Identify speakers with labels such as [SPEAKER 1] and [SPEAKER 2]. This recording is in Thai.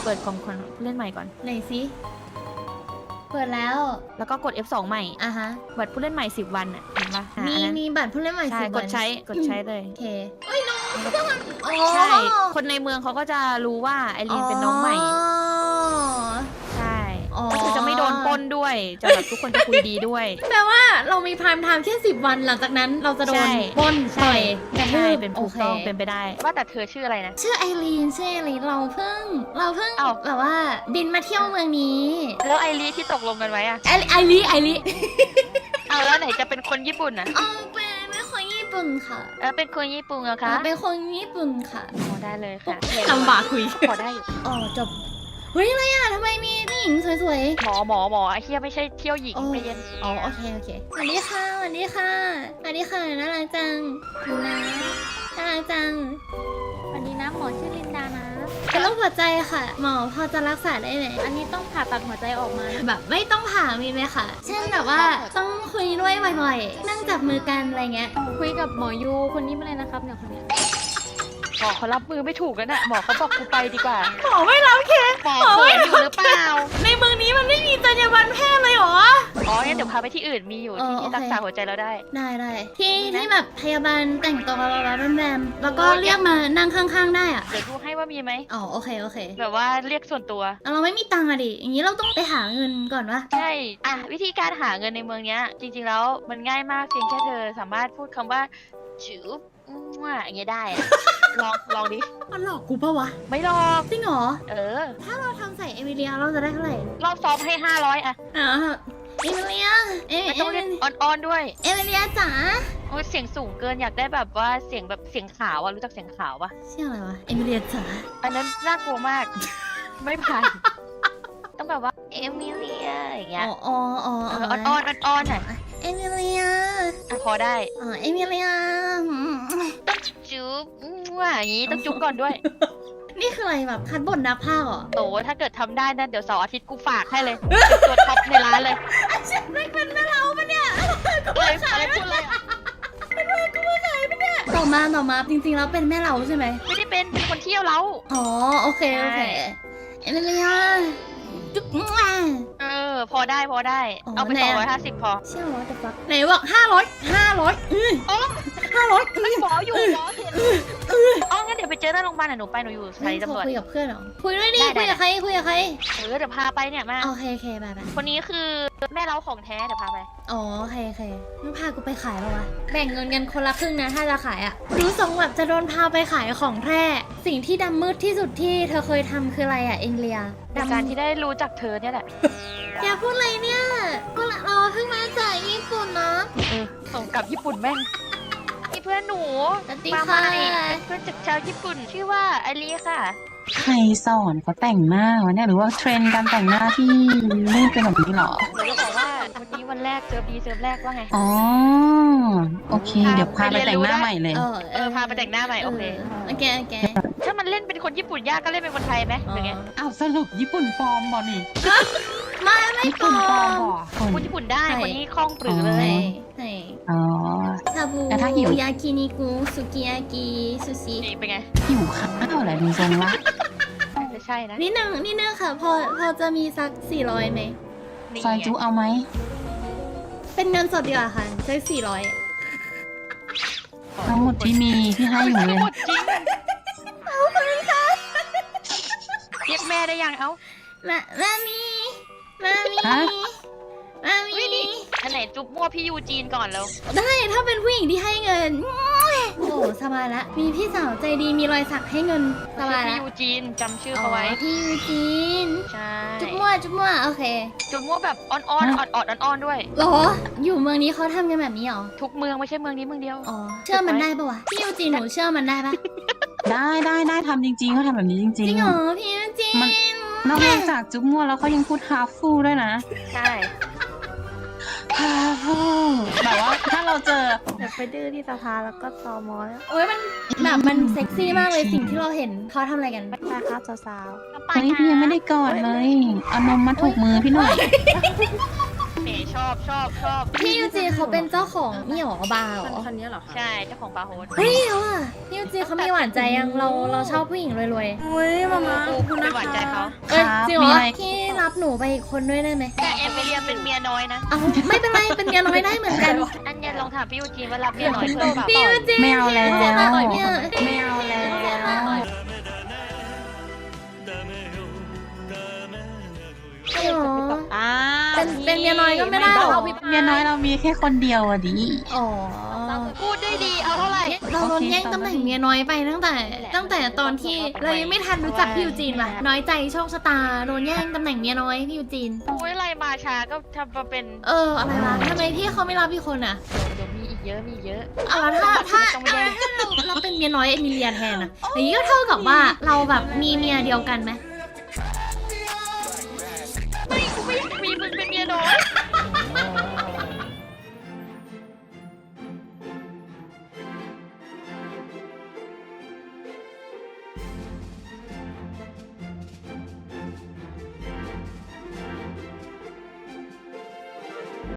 [SPEAKER 1] เปิดของคนผู้เล่นใหม่ก่อน
[SPEAKER 2] ไหนสิเปิดแล้ว
[SPEAKER 1] แล้วก็กด F2 ใหม่
[SPEAKER 2] อ่ะฮะ
[SPEAKER 1] บัตรผู้เล่นใหม่10 วันอ่ะเห็นปะ
[SPEAKER 2] มี
[SPEAKER 1] อันนั้น
[SPEAKER 2] มีบัตรผู้เล่นใหม่
[SPEAKER 1] ใช่
[SPEAKER 2] สิบ
[SPEAKER 1] ก
[SPEAKER 2] วั
[SPEAKER 1] ด
[SPEAKER 2] น
[SPEAKER 1] ใช้กดใช้เลย
[SPEAKER 2] โอเคเอ้ยน้องอ๋อ
[SPEAKER 1] ใช่ คนในเมืองเขาก็จะรู้ว่าไอรีนเป็นน้องใหม่ ใช่
[SPEAKER 2] อ๋อ
[SPEAKER 1] ก็คือจะไม่โดนปล้นด้วย จะแบบทุกคนจะคุยดีด้วย
[SPEAKER 2] แปลว่าเรามีพรามไทม์แค่10 วันหลังจากนั้นเราจะโด
[SPEAKER 1] ใช่
[SPEAKER 2] นปล้นต่อยกระ
[SPEAKER 1] ใช่
[SPEAKER 2] ทืบ
[SPEAKER 1] เป็น
[SPEAKER 2] โอ
[SPEAKER 1] ถูก
[SPEAKER 2] เค
[SPEAKER 1] ต้องเป็นไปได้ ว่าแต่เธอชื่ออะไรนะ
[SPEAKER 2] ชื่อไอรีนเราเพิ่ง
[SPEAKER 1] อ้าว
[SPEAKER 2] แบบว่าบินมาเที่ยวเมืองนี้
[SPEAKER 1] แล้วไอรีที่ตกลงกันไว้อะ
[SPEAKER 2] ไอรี
[SPEAKER 1] เอาแล้วไหนจะเป็นคนญี่ปุ่นอะ
[SPEAKER 2] อ๋อเป็นคนญี่ปุ่นค่ะ
[SPEAKER 1] เป็นคนญี่ปุ่นเหรอคะ
[SPEAKER 2] เป็นคนญี่ปุ่นค่ะ
[SPEAKER 1] พอได้เลยค่ะ
[SPEAKER 2] ลำบากคุย
[SPEAKER 1] พอได้อยู่
[SPEAKER 2] อ๋อจบเฮ้ยอะไรอ่ะทำไมมีผู้หญิงสวย
[SPEAKER 1] หมอไอ้เฮียไม่ใช่เที่ยวหญิง
[SPEAKER 2] โอ้
[SPEAKER 1] ไปเย็น
[SPEAKER 2] ๆอ๋อโอเคสวัสดีค่ะน่ารักจังดูนะน่ารักจัง
[SPEAKER 3] วันนี้นะหมอชื่อลินดานะ
[SPEAKER 2] เป็นโรคหัวใจค่ะ หมอพอจะรักษาได้ไหม
[SPEAKER 3] อันนี้ต้องผ่าตัดหัวใจออกมานะ
[SPEAKER 2] แบบไม่ต้องผ่ามีไหมคะเช่นแบบว่าต้องคุยด้วยบ่อยๆ นั่งจับมือกันอะไรเงี้ย
[SPEAKER 3] คุยกับหมอยูคนนี้มาเลยนะครับเนี่ยคนเนี้ย
[SPEAKER 1] หมอเขารับมือไม่ถูกกันอะหมอเขาบอกกูไปดีกว่า
[SPEAKER 2] หมอไม่รับเคส
[SPEAKER 1] หมอเขินอยู่หรือเปล่า
[SPEAKER 2] ในเมืองนี้มันไม่มีจรรยาบรรณแพทย์เลยเหรอ
[SPEAKER 1] อ๋องั้นเดี๋ยวพาไปที่อื่นมีอยู่ที่
[SPEAKER 2] โอเค
[SPEAKER 1] รักษาหัวใจเราได้
[SPEAKER 2] ได้ที่แบบพยาบาลแต่งตัวแล้วแรมๆแล้วก็เรียกมานั่งข้างๆได้อะ
[SPEAKER 1] เดี๋ยวดูให้ว่ามีไหม
[SPEAKER 2] อ๋อโอเค
[SPEAKER 1] แบบว่าเรียกส่วนตัว
[SPEAKER 2] เราไม่มีตังค์อะดิ อย่างนี้เราต้องไปหาเงินก่อนวะ
[SPEAKER 1] ใช่ อ่ะวิธีการหาเงินในเมืองเนี้ย จริงๆแล้วมันง่ายมากเพียงแค่เธอสามารถพูดคำว่าจูบอย่างเงี้ยได้อะ ลองดิ
[SPEAKER 2] มันหลอกกูปะวะ
[SPEAKER 1] ไม่หรอก
[SPEAKER 2] จริงเหรอ
[SPEAKER 1] เออ
[SPEAKER 2] ถ้าเราทำใส่เอมิเลียเราจะได้เท่าไหร่
[SPEAKER 1] รอบซ้อมให้500อะ
[SPEAKER 2] อ๋อเอมิเลีย
[SPEAKER 1] ไม่ต้องเรียกอ่อนๆด้วย
[SPEAKER 2] เอมิเลียจ๋า
[SPEAKER 1] โอ้ยเสียงสูงเกินอยากได้แบบว่าเสียงแบบเสียงขาวอะรู้จักเสียงขาวปะ
[SPEAKER 2] ชื่ออะไรวะ เอมิเลียจ๋า
[SPEAKER 1] อันนั้นน่ากลัวมาก ไม่ผ่าน ต้องแบบว่าเอมิเลียอย่างเงี้ย
[SPEAKER 2] อ๋อ
[SPEAKER 1] อ่อนๆหน่อย
[SPEAKER 2] เอมิเลีย
[SPEAKER 1] อ่ะพอได้
[SPEAKER 2] อ๋อ เอมิเลีย
[SPEAKER 1] จุ๊บอย่างงี้ต้องจุ๊บก่อนด้วย
[SPEAKER 2] นี่คืออะไรแบบคัดบทนักพากย์เหรอ
[SPEAKER 1] โตถ้าเกิดทำได้นะเดี๋ยวเสาร์อาทิตย์กูฝากให้เลยเป็นตัวท็อปในร้านเลย
[SPEAKER 2] ฉันไม่เป็นแม่เราปะเนี่ย
[SPEAKER 1] อะไรพูดเลยอะ
[SPEAKER 2] ต่อมาจริงๆแล้วเป็นแม่เราใช่ไหม
[SPEAKER 1] ไม่ได้เป็นคนเที่ยวเรา
[SPEAKER 2] อ๋อโอเค
[SPEAKER 1] ใช่
[SPEAKER 2] เอมิเลียจุ๊บ
[SPEAKER 1] พอได้
[SPEAKER 2] อ๋อ
[SPEAKER 1] เอาไป
[SPEAKER 2] ไหนอะ
[SPEAKER 1] 250พอ
[SPEAKER 2] เชื่อว่าจะฟักไหนบอก500
[SPEAKER 1] อ๋อ
[SPEAKER 2] 500
[SPEAKER 1] หมออยู่หมอเห็นอ๋องั้นเดี๋ยวไปเจอหน้าโรงพยาบาลหนูไปหนูอยู่สถานีตำรวจ
[SPEAKER 2] คุยกับเพื่อนเหรอคุยด้วยดิ
[SPEAKER 1] ได้
[SPEAKER 2] คุยกับใครเ
[SPEAKER 1] เดี๋ยวพาไปเนี่ยมา
[SPEAKER 2] โอเคไป
[SPEAKER 1] คนนี้คือแม่เราของแท้เดี๋ยวพาไป
[SPEAKER 2] อ๋อโอเคมึงพากูไปขายแล้ววะแบ่งเงินกันคนละครึ่งนะถ้าจะขายอ่ะรู้ทรงแบบจะโดนพาไปขายของแท้สิ่งที่ดำมืดที่สุดที่เธอเคยทำคืออะไรอ่ะเอ็งเลีย
[SPEAKER 1] ในการที่ได้รู้จักเธอเนี่ยแหละ
[SPEAKER 2] อย่าพูดอะไรเนี่ยก็เราเพิ่งมาจากญี่ปุ่นนะ
[SPEAKER 1] ส่งกลับญี่ปุ่นแม่งนี่เพื่อนหนู
[SPEAKER 2] สวัสดี
[SPEAKER 1] มา
[SPEAKER 2] ค่ะ
[SPEAKER 1] ใหม่เป็นเพื่อนจากชาวญี่ปุ่น ชื่อว่าไอรีค่ะ
[SPEAKER 4] ใครสอนเขาแต่งหน้าวะเนี่ยหรือว่าเทรนด์การแต่งหน้าที่ไม่เป็นแบบนี้หรอ
[SPEAKER 1] หนูจะบอกว่าวันนี้วันแรกเจอดีเจอแรกว่าไง
[SPEAKER 4] อ๋อ โอเค เดี๋ยวพาไปแต่งหน้าใหม่เลย
[SPEAKER 1] พาไปแต่งหน้าใหม่โอเค
[SPEAKER 2] โอเค
[SPEAKER 1] ถ้ามันเล่นเป็นคนญี่ปุ่นยากก็เล่นเป็นคนไทยไหมหรือไง
[SPEAKER 4] อ้าวสรุปญี่ปุ่นฟอร์มบอนี่
[SPEAKER 2] ไม่
[SPEAKER 4] ญี่
[SPEAKER 2] ปล
[SPEAKER 4] ปุ่นฟอ
[SPEAKER 2] อ
[SPEAKER 4] ร์ม
[SPEAKER 2] ม
[SPEAKER 4] บอคน
[SPEAKER 1] คนญี่ปุ่นได้คนนี้คล่องปรือเล
[SPEAKER 2] ใช่
[SPEAKER 1] ย
[SPEAKER 2] ใช่
[SPEAKER 4] อ๋อ
[SPEAKER 2] ชาบู
[SPEAKER 4] แต่ถ้าหิว
[SPEAKER 2] ยากินิกุสุกิยากิซูชิ
[SPEAKER 1] นี่เป็นไง
[SPEAKER 4] หิวข้าวแหละดูทรงละ
[SPEAKER 1] ไม่ใช่นะ
[SPEAKER 2] นิดนึงค่ะ พอจะมีสัก400ไหม
[SPEAKER 1] นี่
[SPEAKER 4] ซอยจุเอาไหม
[SPEAKER 2] เป็นเงินสดดีกว่าค่ะสัก400
[SPEAKER 4] ทั้งหมดที่มีที่ให้อยู่เลย
[SPEAKER 1] หมดจริงเรียกแม่ได้ยังเอ้า
[SPEAKER 2] มามี
[SPEAKER 4] ฮะ
[SPEAKER 1] อันไหนจุ๊บมั่วพี่ยูจีนก่อนแล้ว
[SPEAKER 2] ได้ถ้าเป็นผู้หญิงที่ให้เงิน โอ้สบายละมีพี่สาวใจดีมีรอยสักให้เงินสบาย
[SPEAKER 1] พี่
[SPEAKER 2] ละ
[SPEAKER 1] ยูจีนจำชื่อเขาไว้
[SPEAKER 2] พี่ยูจีน
[SPEAKER 1] ใช่
[SPEAKER 2] จุ๊บมั่วโอเค
[SPEAKER 1] จุ๊บมั่วแบบอ่อนๆอ่อนๆด้วย
[SPEAKER 2] หรอ อยู่เมืองนี้เขาทำกันแบบนี้เหรอ
[SPEAKER 1] ทุกเมืองไม่ใช่เมืองนี้เมืองเดียว
[SPEAKER 2] อ๋อ เชื่อมันได้ปะวะ พี่ยูจีนหนูเชื่อมันได้ปะ
[SPEAKER 4] ได้ทำจริงๆเขาทำแบบนี้จ
[SPEAKER 2] จ
[SPEAKER 4] ริ
[SPEAKER 2] ริ
[SPEAKER 4] ง
[SPEAKER 2] งเหรอพี่ยูจี
[SPEAKER 4] มัน
[SPEAKER 2] น
[SPEAKER 4] นอกจากจุ๊บมั่วแล้วเขายังพูดฮาฟูด้วยนะ
[SPEAKER 1] ใช่
[SPEAKER 4] ฮาฟูแบบว่าถ้าเราเจอ
[SPEAKER 3] เดี๋ยวไปดื้อที่สภาแล้วก็ตอมอแล้ว
[SPEAKER 2] โอ้ยมันแบบมันเซ็กซี่มากเลยสิ่งที่เราเห็นเขาทำอะไรกัน
[SPEAKER 3] ไปครับสาว
[SPEAKER 4] เฮ้ยพี่ยังไม่ได้กอดเลย เอานมมาถูกมือพี่หน่อย
[SPEAKER 1] แหมชอบ
[SPEAKER 2] พี่ยูจีเขาเป็นเจ้าของนี่หรอบาร์เหรอ
[SPEAKER 3] คันนี้เหรอคะ
[SPEAKER 1] ใช่เจ้าของบาร์โฮส
[SPEAKER 2] เฮ้ยเอาอ่ะพี่ยูจีเขามีหวานใจยังเราชอบผู้หญิงรวย
[SPEAKER 3] อุ้ยมามา
[SPEAKER 1] กูเป็นหวานใจเขา
[SPEAKER 2] ๆเอ้ย
[SPEAKER 4] ครับ
[SPEAKER 2] จริงเหร
[SPEAKER 4] มี
[SPEAKER 2] อ
[SPEAKER 4] อะไร
[SPEAKER 2] พี่รับหนูไปอีกคนด้วยได้ไหม
[SPEAKER 1] แต่เอมิเลียเป็นเมียน้อยนะ
[SPEAKER 2] เอาไม่เป็นไรเป็นเมียน้อยได้เหมือนกัน
[SPEAKER 1] อันเนี้ยลองถามพี่ยูจีนว่ารับเมียน้อยเพิ่มเปล่า
[SPEAKER 2] พี่ยูจี
[SPEAKER 4] ไม่เอาแล้ว
[SPEAKER 2] พี่ยูจีมาต่อยเนี่ย
[SPEAKER 4] ไม่เอาแล้ว
[SPEAKER 2] จริงเหรอ
[SPEAKER 3] อ่า
[SPEAKER 2] เป็นเมียน้อยก็ไม่ได้หรอ
[SPEAKER 4] เมียน้อยเรามีแค่คนเดียวอะดิ
[SPEAKER 2] อ๋อ
[SPEAKER 1] พูดได้ดีเอาเท่าไหร่
[SPEAKER 2] เราโดนแย่งตำแหน่งเมียน้อยไปตั้งแต่ตอนที่เรายังไม่ทันรู้จักพี่ยูจีนว่ะน้อยใจโชคชะตาโดนแย่งตำแหน่งเมียน้อยพี่ยูจีน
[SPEAKER 1] พูดอะไรมาช้าก็ทำมาเป็น
[SPEAKER 2] อะไรวะทำไมพี่เขาไม่รับพี่คนอ่ะ
[SPEAKER 1] เดี๋ยวมีอีกเยอะมีเยอะ
[SPEAKER 2] เอาแล้วถ้าเราเป็นเมียน้อยเอมิเลียแทนอ่ะอย่างนี้ก็เท่ากับว่าเราแบบมีเมียเดียวกันไหม
[SPEAKER 1] ไม่กูไม่อยากมีมึงเป็นเมียน้อย